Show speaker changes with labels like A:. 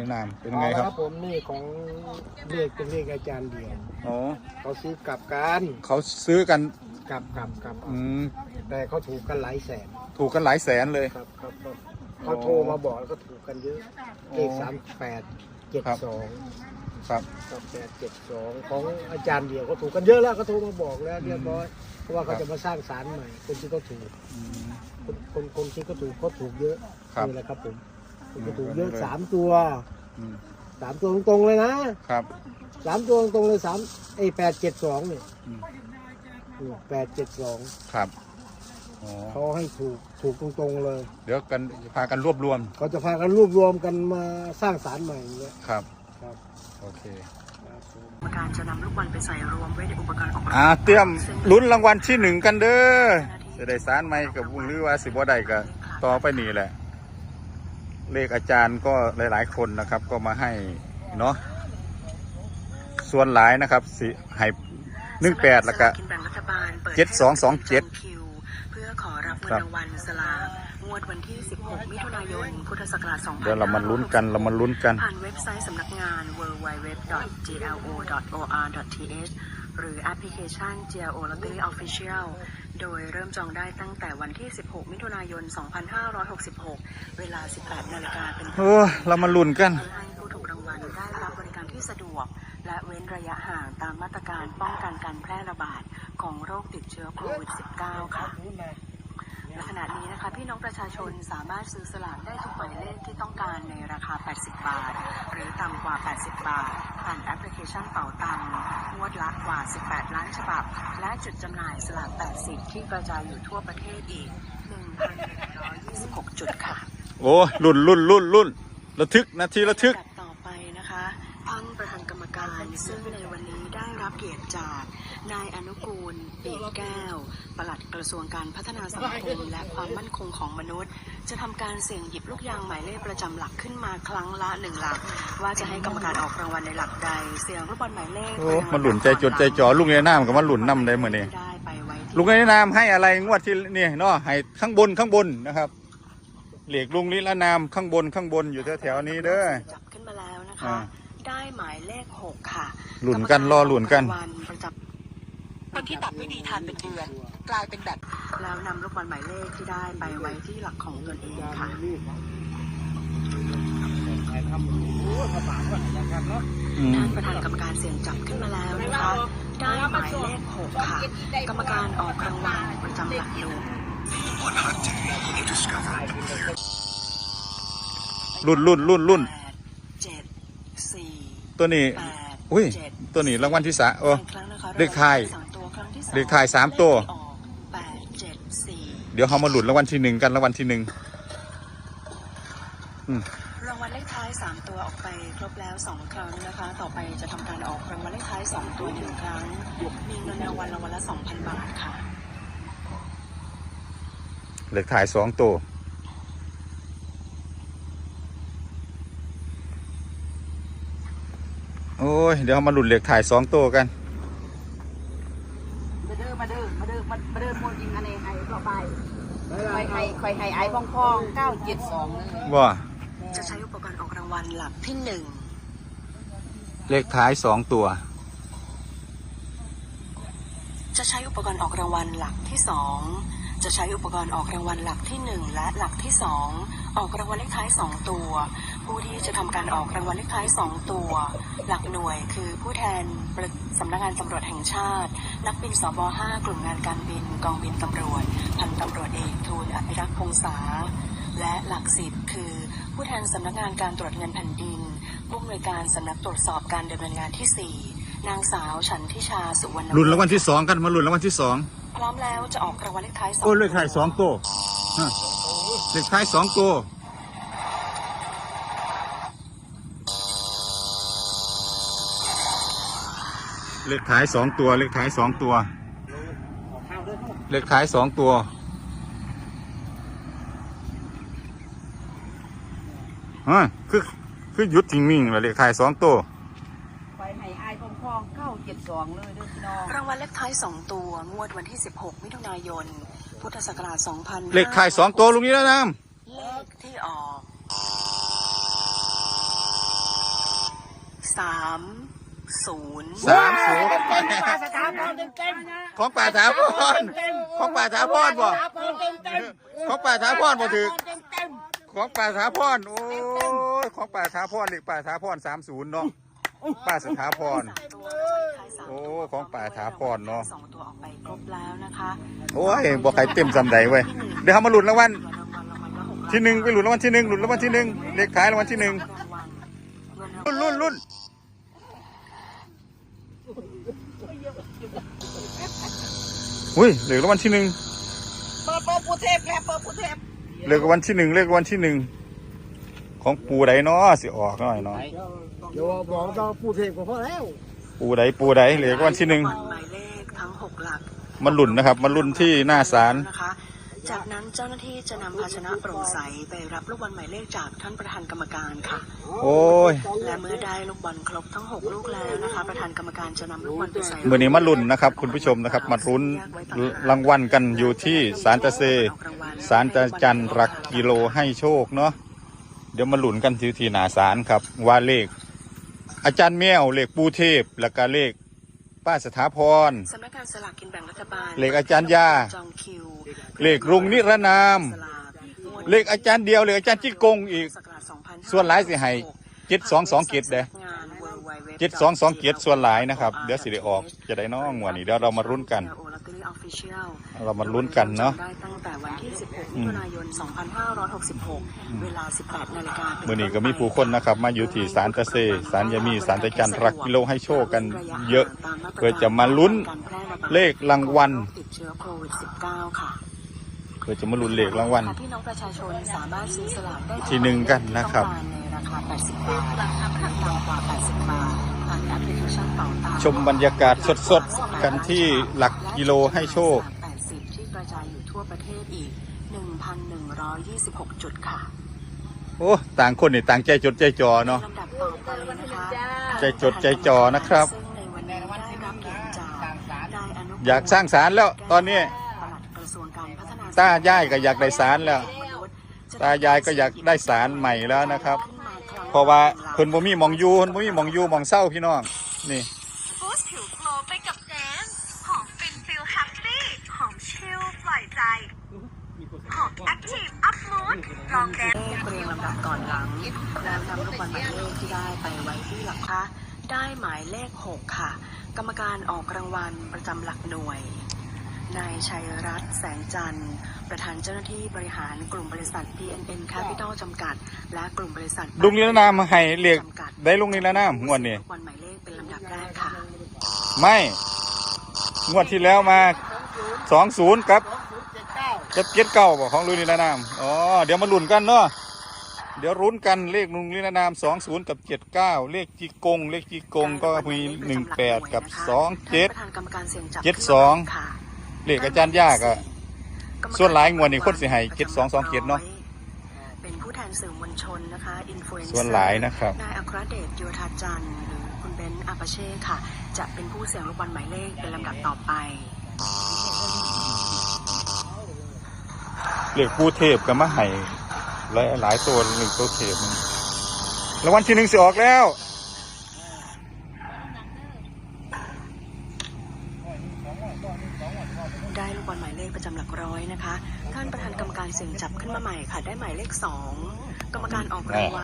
A: ในนามเป็นไงครับ
B: ผมนี่ของเลขเป็นเลขอาจารย์เดียว
A: อ๋อ
B: เขาซื้อกลับกัน
A: เขาซื้อกัน
B: กลับแต่เขาถูกกันหลายแสน
A: ถูกกันหลายแสนเลย
B: ครับเขาโทรมาบอกแล้วก็ถูกกันเยอะเลข3872
A: ครับ
B: 3872ของอาจารย์เดียวเขาถูกกันเยอะแล้วเขาโทรมาบอกแล้วเรียบร้อยเพราะว่าเขาจะมาสร้างศาลใหม่คนที่เขาถูกคนที่เขาถูกเยอะนี่แหละครับผมเขาถูกเยอะ3 ตัว3 ตัวตรงๆเลยนะครับ3 ตัวตรงๆเลย872เนี่ย872
A: ครับ
B: เขาให้ถูกตรงๆเลย
A: เดี๋ยวกันพากันรวบรวม
B: เขาจะพากันรวบรวมกันมาสร้างศาลใหม่อย่างเงี้ย
A: ครับโอเค
C: การจะนำลูกบอลไปใส่รวมไว้ในอุปกรณ์ออก
A: เตรียมลุ้นรางวัลที่1กันเด้อจะได้ศาลใหม่กับวงหรือว่าสิบ่ได้ก็ต่อไปนี่แหละเลขอาจารย์ก็หลายๆคนนะครับก็มาให้เนาะส่วนหลายนะครับสิให้18แล้วก็7227
C: เพื่อขอรับเงินรางวัลสลากงวดวันที่16มิถุนายนพุทธศักราช2566
A: เดี๋ยวเรามาลุ้นกัน
C: ผ่านเว็บไซต์สำนักงาน www.glo.or.th หรือแอปพลิเคชัน GLO Lottery Official โดยเริ่มจองได้ตั้งแต่วันที่16มิถุนายน2566เวลา 18 นาฬิกาเป็นต้น
A: เรามาลุ้นกัน
C: ให้ผู้ถูกรางวัลได้รับบริการที่สะดวกและเว้นระยะห่างตามมาตรการป้องกันการแพร่ระบาดของโรคติดเชื้อโควิด -19 ค่ะในขณะนี้นะคะพี่น้องประชาชนสามารถซื้อสลากได้ทุกหมายเลขที่ต้องการในราคา80 บาทหรือต่ำกว่า80 บาทผ่านแอปพลิเคชันเป๋าตังค์งวดละกว่า18ล้านฉบับและจุดจำหน่ายสลาก80ที่กระจายอยู่ทั่วประเทศอีก 1,126 จุดค่ะ
A: โอ้ลุ้นระทึกนาทีระทึก
C: ต่อไปนะคะท่านประธานกรรมการซึ่งในวันนี้ได้รับเกียรติจากนายอนุกูลปีกแก้วปลัดกระทรวงการพัฒนาสังคมและความมั่นคงของมนุษย์จะทำการเสี่ยงหยิบลูกยางหมายเลขประจำหลักขึ้นมาครั้งละ1หลักว่าจะให้กรรมการออกรางวัลในหลักใดเสี่ยงลูกบอลหมายเลข
A: มันหลุนใจจดใจจ่อลูกในน้ำกับมันหลุนน้ำได้เหมือนนี้ลูกในน้ำให้อะไรงวดที่นี่เนาะให้ข้างบนนะครับเหล็กลุงนิรนามข้างบนอยู่แถวๆนี้เด้อ
C: จับขึ้นมาแล้วนะคะได้หมายเลข6ค่ะ
A: หลุนกันรอหลุนกัน
C: คนที่ตัดไม่ดีทานเป็นเดือนกลายเป็นแบบแล้วนำลูกบอลหมายเลขที่ได้ไปไว้ที่หลักของตนเองค่ะท่านประธานกรรมการเสี่ยงจับขึ้นมาแล้วนะคะได้หมายเลข6ค่ะกรรมการออกรางวัลประจำหลักอยู่
A: รุ่นตัวนี้อุ้ยตัวนี้รางวัลที่3เลขท้าย3ตัวเดี๋ยวเขามาหลุดรางวัลที่1กันรางวัลที่1
C: รางวัลเลขท้าย3ตัวออกไปครบแล้ว2ครั้งนะคะต่อไปจะทำการออกรางวัลเลขท้าย2ตัว1ครั้งมีเงินรางวัลละ 2,000 บาทค่ะ
A: เลขท้าย2ตัวโอ้ยเดี๋ยวมาหลุดเลขถ่าย2ตัวกัน
D: มาเดินมวนยิงอันนี้ให้ต่อไปคอยให้ไอ้พอง972เลย
A: ว่า
C: จะใช้อุปกรณ์ออกรางวัลหลักที่1
A: เลขท้าย2ตัว
C: จะใช้อุปกรณ์ออกรางวัลหลักที่2จะใช้อุปกรณ์ออกรางวัลหลักที่1และหลักที่2ออกรางวัลเลขท้าย2ตัวผู้ที่จะทำการออกรางวัลเลขท้าย2ตัวหลักหน่วยคือผู้แทนสำนักงานตำรวจแห่งชาตินักบินสบ5กลุ่มงานการบินกองบินตำรวจพันตำรวจเอกทูลอภิรักษ์พงษาและหลัก10คือผู้แทนสำนักงานการตรวจเงินแผ่นดินผู้อำนวยการสำนักตรวจสอบการดำเนินงานที่4นางสาวฉันทิชาสุวรรณ
A: ลุ้นรางวัลที่2กันมาลุ้นรางวัลที่2
C: พร้อมแล้วจะออกรางวัลเลขท้าย
A: 2เลขท้าย2ตัวเลขท้าย2ตัวเลขท้าย2ตัวเลขท้าย2ตัวเลขท้าย2ตัวคือหยุดทิ้งมิ่งเลขท้าย2ตัว
D: ไปให้ไอ้พอง972เลยเด้อพี่น้อง
C: รางวัลเลขท้าย2ตัวงวดวันที่16มิถุนายนพุทธศักราช2000
A: เลขท้าย2ตัวลุงนี้แล้วนะ
C: เลขที่ออก 30
A: 30
B: ปลาสถาพรเต็ม
A: ของป่าถาพรของป่าถาพรบ่ของป่าถาพรบ่ถือของป่าถาพรโอ้ยของป่าถาพรเลขป่าถาพร30เนาะป่าสถาพรโอ้ของป่าถาพรเนาะ
C: 2 ตัวออกไปครบแล้วนะคะ
A: โอ้ยบ่ใครเต็มจำใดเว้ยเดี๋ยวเขามาลุ้นรางวัลที่1ไปลุ้นรางวัลที่1ลุ้นรางวัลที่1เลขท้ายรางวัลที่1ลุ้นอุ้ยเลขรางวัลที่1
D: เปิดปูเทพแล้วเปิดปูเทพ
A: เลขรางวัลที่1เลขรางวัลที่1ของปูใดเนาะสิออกหน่อยเนาะ
B: เดี๋ยวบอกต้องผู้เทพก็พอแล้ว
A: ปูใดเลขรางวัลที่1
C: หมายเลขทั้ง 6 หลัก
A: มันลุ้นนะครับมันลุ้นที่หน้าศาล
C: นะคะจากนั้นเจ้าหน้าที่จะนำภาชนะโปร่งใสไปรับลูกบอลหมายเลขจากท่านประธานกรรมการค่ะ
A: โอ้ย
C: และเมื่อได้ลูกบอลครบทั้ง 6 ลูกแล้วนะคะ ประธานกรรมการจะนำลูกบอลไปใส่
A: มื้อนี้มาลุ้นนะครับคุณผู้ชมนะครับมาลุ้นรางวัลกันอยู่ที่ศาลตาเซศาลตาจันหลักกิโลให้โชคเนาะเดี๋ยวมาลุ้นกันที่หน้าศาลครับว่าเลขอาจารย์แมวเลขปูเทพแล้วก็เลขป้าสถาพร
C: สำนักงานสลากกินแบ่งรัฐบาล
A: เลขอาจารย์ยา
C: จองคิว
A: เลขรุงนิรนาม
C: สลากงวด
A: เลขอาจารย์เดียวเลขอาจารย์จิกงอีก
C: ศักราช2566
A: ส่วนหลายสิให้722เกตเด้
C: งาน www.
A: 722เกตส่วนหลายนะครับเดี๋ยวสิได้ออกจะได้น้องงวดนี้เดี๋ยวเรามาลุ้นกัน เรามาลุ้นกันเนาะ
C: ได้ตั้งแต่วันที่ 16 มิถุนายน 2566 เวลา 18 นาฬิกา
A: มื่อนี้ก็มีผู้คนนะครับมาอยู่ที่ศาลตาเซศาลยามีศาลตาจันรักกิโลให้โชคกันเยอะเพื่อจะมาลุ้นเลขรางวัล
C: ติดเชื้อโควิด -19 ค่ะ
A: เพื่อจะมาลุ้นเลขรางวัล
C: พี่น้องประชาชนสามารถซื้อสลากได้
A: ที่1กันนะครับ
C: ในราคา 80 บาทต่ำกว่า 80 บาทผ่านแอปพลิเคชันเป๋าตังค์
A: ชมบรรยากาศสดๆกันที่หลักกิโลให้โชค
C: 80 ที่กระจายอยู่ทั่วประเทศอีก 1,126 จุดค่ะ
A: โอ้ต่างคนนี่ต่างใจจดใจจ่อเนาะ
C: ลำดับต่อไปนะคะ
A: ใจจดใจจ่อนะครับ
C: ซึ่งในวันนี้ได้รับเกียรติจากนายอนุพงศ์
A: อยากสร้างศาลแล้วตอนนี้
C: ปลัดกระทรวงการพัฒนา
A: ตายายก็อยากได้ศาลแล้ว ตายายก็อยากได้ศาลใหม่แล้วนะครับ เพราะว่าเพิ่นบ่มีหมองอยู่เพิ่นบ่มีหมองอยู่หมองเศร้าพี่น้องนี่
E: บูสต์ผิวโกลว์ไปกับแดนซ์หอมฟินฟิลแฮปปี้หอมชิลปล่อยใจหอมแอคทีฟอัพมูดลองแดนซ์
C: เรียงลำดับก่อนหลังแล้วนำลูกบอลหมายเลขที่ได้ไปไว้ที่หลักค่ะได้หมายเลข 6 ค่ะ กรรมการออกรางวัลประจำหลักหน่วยนายชัยรัตน์แสงจันทร์ประธานเจ้าหน้าที่บริหารกลุ่มบริษัท PNN Capital จำกัด และกลุ่มบริษัท
A: ลุงนิรนามให้เลขได้ลุงนิรนามงวดนี้
C: ลูกบอลหมายเลขเป็นลำดับแรกค่ะ
A: ไม่งวดที่แล้วมา20กับ79บอกของลุงนิรนามอ๋อเดี๋ยวมาลุ้นกันเนาะเดี๋ยวรุ้นกันเลขลุงนิรนาม20กับ79เลขจีกงเลขจีกงก็มี18กับ27
C: ประธานกรรมการเสี่ยงจับ
A: 72
C: ค่ะ
A: เลขอาจารย์ยากอะส่วนหลายงวดนี้คนสิให้7227เนาะ
C: เป็นผู้แทนสื่อมวลชนนะคะอินฟลูเอนเซอร์
A: ส่วนหลายนะครับ
C: นายอัครเดชโยธาจันทร์หรือคุณเบนซ์อาปาเช่ค่ะ จะเป็นผู้เสี่ยงลูกบอลหมายเลขเป็นลำดับต่อไป
A: เลขปูเทพก็มาให้หลายตัวหนึ่งตัวเทพรางวัลที่1สิออกแล้ว
C: ได้ลูกบอลหมายเลขประจำหลักร้อยนะคะ ท่านประธานกรรมการเสี่ยงจับขึ้นมาใหม่ค่ะ ได้หมายเลข 2 กรรมการออกรางวัล